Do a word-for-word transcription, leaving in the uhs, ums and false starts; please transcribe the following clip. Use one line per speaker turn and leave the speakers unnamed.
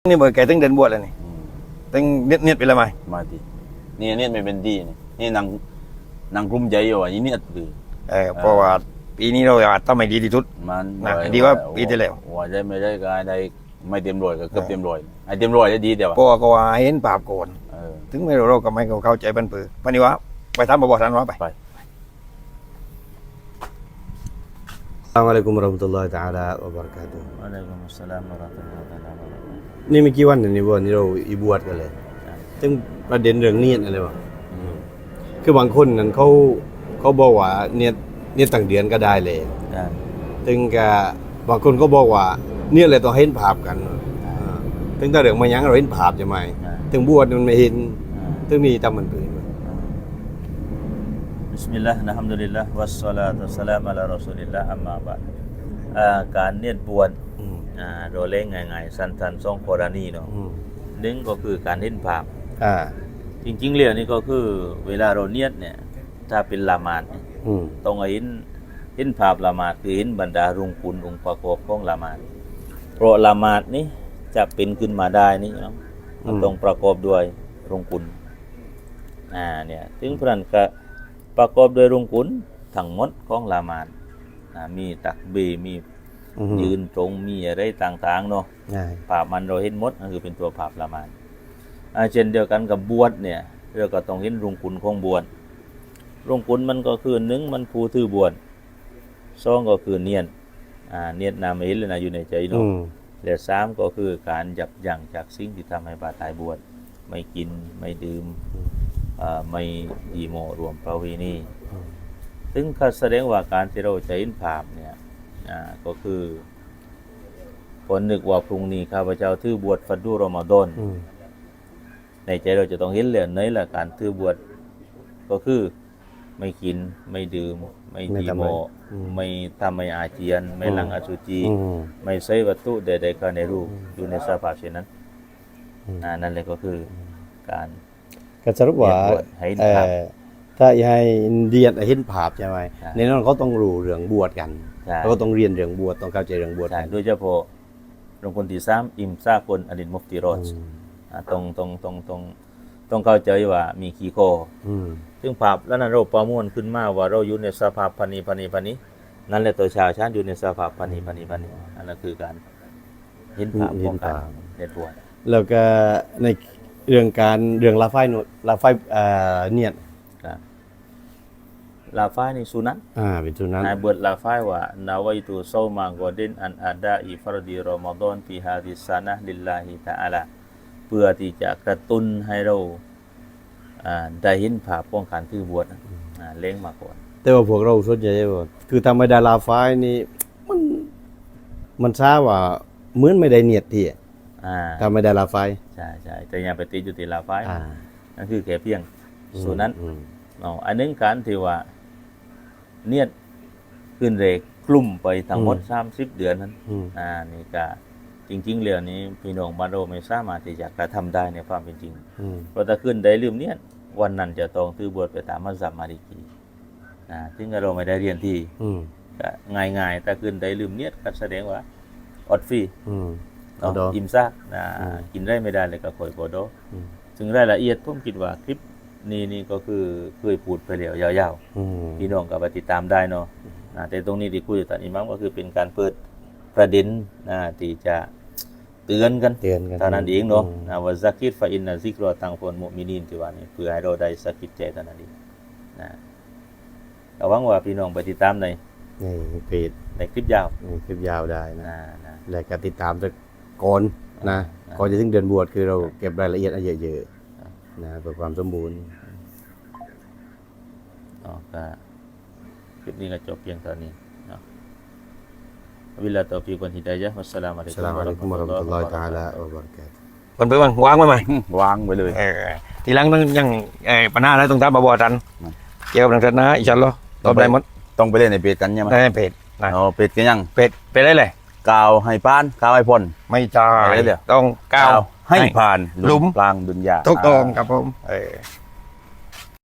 นี่เบอร์แกตั้งเดินบวชแล้วนี่ตั้งเนียดเนียดไปแล้วไหม
มาดินี่เนี่ยไม่เป็นดีนี่นี่นางนางกลุ่มใจอยู่อ่ะยี่เนี่ยตือ
เออเพราะว่าปีนี้เราอาจต้องไม่ดีที่สุด
มัน
ดีว่าปีที่แล้ว
ว่าได้ไม่ได้ก็ได้ไม่เต็มร้อยก็เกือบเต็มร้อยไอ้เต็มร้อยได้ดีเดียว
เพราะว่าก็ว่าเห็นภาพก่อนถึงไม่รู้เราก็ไม่เข้าใจบันปือพันนี้วะไปทำบ่บ่ทันวะไป
ไป
อัสสลามุอะลัยกุมวะเราะห์มะตุลลอฮิตะอาลาอะบะเราะกาตุฮ์
อะลัยกุมุสสลามวะเราะห์มะตุลลอฮิตะอาลา
นี่ไม่กี่วันนี่บ่นี่เราอีบวชกันเลยซึ่งประเด็นเรื่องเนียดอะไรวะคือบางคนนั้นเขาเขาบอกว่าเนียดเนียดตั้งเดือนก็ได้เลยถึงกับบางคนก็บอกว่าเนี่ยเลยต้องเห็นภาพกันถึงถ้าเรื่องมายังเราเห็นภาพจะไหมถึงบวชมันไม่เห็นถึงนี่ทำมันปืน
บิสมิลลาห์นะฮัมดุลิลลาห์วัสศอลาตุวัสสลามุอะลารอซูลิลลาห์อัมมาบะดการเนียดบวชอ่าโดยเล่งง่ายๆสั้นๆสองกรณีเนาะหนึ่งก็คือการเห็นภาพ
อ่า
จริงๆเรื่องนี้ก็คือเวลาเราเนียดเนี่ยถ้าเป็นละหมาดต้องเห็นเห็นภาพละหมาดคือเห็นบรรดารุงคุณองค์ประกอบของละหมาดเพราะละหมาดนี้จะเป็นขึ้นมาได้นี่เนาะมันต้องประกอบด้วยรุงคุณอ่าเนี่ยถึงพระนก็ประกอบด้วยรุงคุณทั้งหมดของละหมาดอ่ามีตักบีมียืนตรงมีอะไรต่างๆเนาะภาพมันเราเห็นหมดนั่นคือเป็นตัวภาพละหมาดเช่นเดียวกันกับบวชเนี่ยเราก็ต้องเห็นรุงคุณของบวชรุงคุณมันก็คือหนึ่งมันผู้ถือบวชสองก็คือเนียดอ่าเนียดนามเห็นเลยนะอยู่ในใจเนาะและสามก็คือการยับยั้งจากสิ่งที่ทำให้บาตายบวชไม่กินไม่ดื่มไม่ดีโมรวมประเวณีซึ่งก็แสดงว่าการที่เราจะเห็นภาพเนี่ยก็คือผลนึกว่าพรุ่งนี้ข้าพเจ้าถือบวชฟัดดูรอมฎอนในใจเราจะต้องเห็นเลยในหลักการถือบวชก็คือไม่กินไม่ดื่มไม่ดีโมไม่ทำไม่อาเจียนไม่หลังอสุจิไม่ใช้วัตถุใดๆก็ในรูปอยู่ในสภาพเช่นนั้นนั่นเลยก็คือการ
ก็สรุปว่าถ้าให้เรียนเห็นภาพใช่ไหมในนั้นเขาต้องรู้เรื่องบวชกันเขาก็ต้องเรียนเรื่องบวชต้องเข้าใจเรื่องบวช
โดยเฉพาะหลวงคนที่สามอิมซาคนอดินมุฟติรอดตรงตรงตรงตรงต้องเข้าใจว่ามีขีโคซึ่งภาพแล้วนั้นเราประมวลขึ้นมาว่าเราอยู่ในสภาพพันีพันีพันีนั่นแหละตัวชาวชาติอยู่ในสภาพพันีพันีพันีอันนั้นคือการเห็นภาพของการเนียดบวช
แล้วก็ในเรื่องการเรื่องลาไฟโนลาไฟเนียด
ลาไฟในสุนัต
อ่าเป็นสุนัต
ในบทลาไฟว่านาวัยตุโซมากอดินอันอาดาอิฟรดีรอมฎอนปีฮาดิสานะลิลลาฮิตะอาลาเพื่อที่จะกระตุ้นให้เราได้เห็นภาพป้องกันถือบวชเล้งมาก่อน
แต่ว่าพวกเราส่วนใหญ่ว่าคือทำไม่ได้ลาไฟนี่มันมันทราบว่าเหมือนไม่ได้เนียดที่ทำไม่ได้ลาไฟ
ใช่ใช่แต่ยังไปติดอยู่ที่ลาไฟนั่นคือแค่เพียงส่วนนั้นอ๋ออันนึงการที่ว่าเนียดขึ้นเรกกลุ่มไปทั้งหมดสามสิบเดือนนั้นอ่านี่ก็จริงๆเรื่องนี้พี่น้องบ้านเราไม่สามารถที่จะกระทำได้ในความเป็นจริงเพราะถ้าขึ้นได้ลืมเนียดวันนั้นจะต้องถือบวชไปตามมัสยิดมาลิกีนะซึ่งเราไม่ได้เรียนที่ก็ง่ายๆแต่ขึ้นได้ลืมเนียดก็แสดงว่าอดฟรีอิ่มซากนะกินได้ไม่ได้เลยก็คอยโบโดซึ่งรายละเอียดผมคิดว่าคลิปนี่นี่ก็คือเคยพูดไปแล้วยาวๆพี่น้องก็ไปติดตามได้เนาะแต่ตรงนี้ที่คุยกับท่านอิหม่ามก็คือเป็นการเปิดประเด็นนะที่จะเตือนกัน
เตือนกัน
เท่านั้นเองเนาะนะว่าซักิรฟะอินนะซิกรอตังฟอนมุมินีนที่ว่านี่เพื่อให้เราได้สะกิดใจเท่านั้นเองนะก็หวังว่าพี่น้องไปติดตามใน
ในเพจ
ในคลิปยาว
คลิปยาวได้นะและก็ติดตามจากก่อนนะก่อนจะถึงเดือนบวชคือเราเก็บรายละเอียดเยอะๆนะเพื่อความสมบูรณ์
อ๋อก็คลิปนี้ก็จบเพียงเท่านี้เนาะวิลลาตอฟิกวันฮิดายะฮ์วัสสลามุอะลัยกุม
วะเราะห์มะตุลลอฮิตะอาลาอะบะเราะกาตุฮ์
มันไปวางวางไว้ไหม
วางไว้เลย
ทีหลังต้องยังปัญหาอะไรต้องตามบ่บ่ทันเกี่ยวกับทางศาสนาอินชาอัลลอฮ์ตอบได้หมด
ต้องไปเล่นในเพจกันใช่มั้ย
ในเพจ
อ๋อเพจกันยัง
เพจไปได้เลย
กล่าวให้ผ่านกล่าวให้พ้น
ไม่ใช่ต้องกล่าว
ให้ผ่าน
หลุม
กลางดุนยา
ถูกต้องครับผมเออ